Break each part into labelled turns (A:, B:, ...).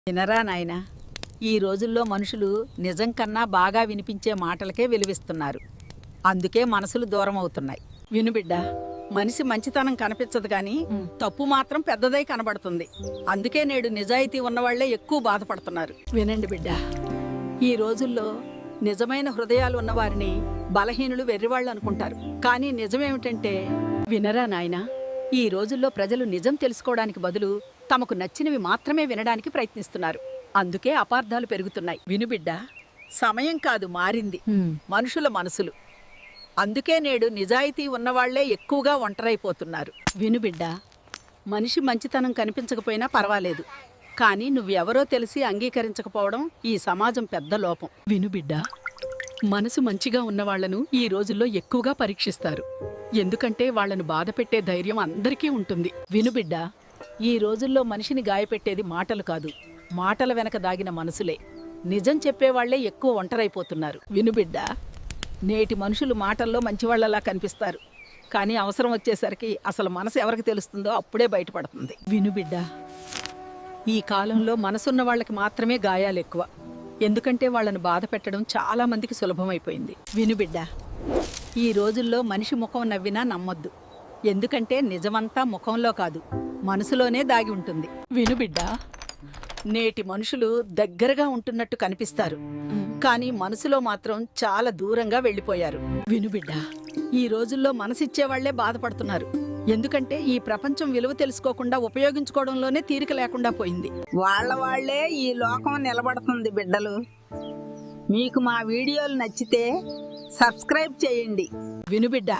A: వినరా నాయనా, ఈ రోజుల్లో మనుషులు నిజం కన్నా బాగా వినిపించే మాటలకే విలువిస్తున్నారు. అందుకే మనసులు దూరం అవుతున్నాయి. విను బిడ్డా, మనిషి మంచితనం కనిపించదు గాని తప్పు మాత్రం పెద్దదై కనబడుతుంది. అందుకే నేడు నిజాయితీ ఉన్నవాళ్లే ఎక్కువ బాధపడుతున్నారు. వినండి బిడ్డా, ఈ రోజుల్లో నిజమైన హృదయాలు ఉన్నవారిని బలహీనులు వెర్రివాళ్ళు అనుకుంటారు. కానీ నిజమేమిటంటే, వినరా నాయనా, ఈ రోజుల్లో ప్రజలు నిజం తెలుసుకోవడానికి బదులు తమకు నచ్చినవి మాత్రమే వినడానికి ప్రయత్నిస్తున్నారు. అందుకే అపార్థాలు పెరుగుతున్నాయి. వినుబిడ్డా, సమయం కాదు మారింది, మనుషుల మనసులు. అందుకే నేడు నిజాయితీ ఉన్నవాళ్లే ఎక్కువగా ఒంటరైపోతున్నారు. వినుబిడ్డా, మనిషి మంచితనం కనిపించకపోయినా పర్వాలేదు, కానీ నువ్వెవరో తెలిసి అంగీకరించకపోవడం ఈ సమాజం పెద్ద లోపం. వినుబిడ్డా, మనసు మంచిగా ఉన్నవాళ్లను ఈ రోజుల్లో ఎక్కువగా పరీక్షిస్తారు. ఎందుకంటే వాళ్లను బాధపెట్టే ధైర్యం అందరికీ ఉంటుంది. వినుబిడ్డా, ఈ రోజుల్లో మనిషిని గాయపెట్టేది మాటలు కాదు, మాటల వెనక దాగిన మనసులే. నిజం చెప్పేవాళ్లే ఎక్కువ ఒంటరైపోతున్నారు. వినుబిడ్డా, నేటి మనుషులు మాటల్లో మంచివాళ్లలా కనిపిస్తారు, కానీ అవసరం వచ్చేసరికి అసలు మనసు ఎవరికి తెలుస్తుందో అప్పుడే బయటపడుతుంది. వినుబిడ్డా, ఈ కాలంలో మనసున్న వాళ్ళకి మాత్రమే గాయాలు ఎక్కువ. ఎందుకంటే వాళ్లను బాధ పెట్టడం చాలా మందికి సులభమైపోయింది. వినుబిడ్డా, ఈ రోజుల్లో మనిషి ముఖం నవ్వినా నమ్మొద్దు. ఎందుకంటే నిజమంతా ముఖంలో కాదు, మనసులోనే దాగి ఉంటుంది. వినుబిడ్డా, నేటి మనుషులు దగ్గరగా ఉంటున్నట్టు కనిపిస్తారు, కానీ మనసులో మాత్రం చాలా దూరంగా వెళ్ళిపోయారు. వినుబిడ్డా, ఈ రోజుల్లో మనసిచ్చేవాళ్లే బాధపడుతున్నారు. ఎందుకంటే ఈ ప్రపంచం విలువ తెలుసుకోకుండా ఉపయోగించుకోవడంలోనే తీరిక లేకుండా పోయింది.
B: వాళ్లే ఈ లోకం నిలబడుతుంది. బిడ్డలు, మీకు మా వీడియోలు నచ్చితే సబ్స్క్రైబ్ చేయండి.
A: వినుబిడ్డా,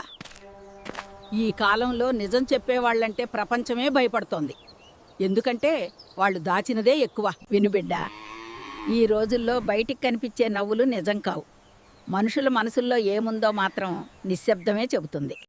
A: ఈ కాలంలో నిజం చెప్పేవాళ్లంటే ప్రపంచమే భయపడుతోంది. ఎందుకంటే వాళ్ళు దాచినదే ఎక్కువ. వినుబిడ్డా, ఈ రోజుల్లో బయటికి కనిపించే నవ్వులు నిజం కావు. మనుషుల మనసుల్లో ఏముందో మాత్రం నిశ్శబ్దమే చెబుతుంది.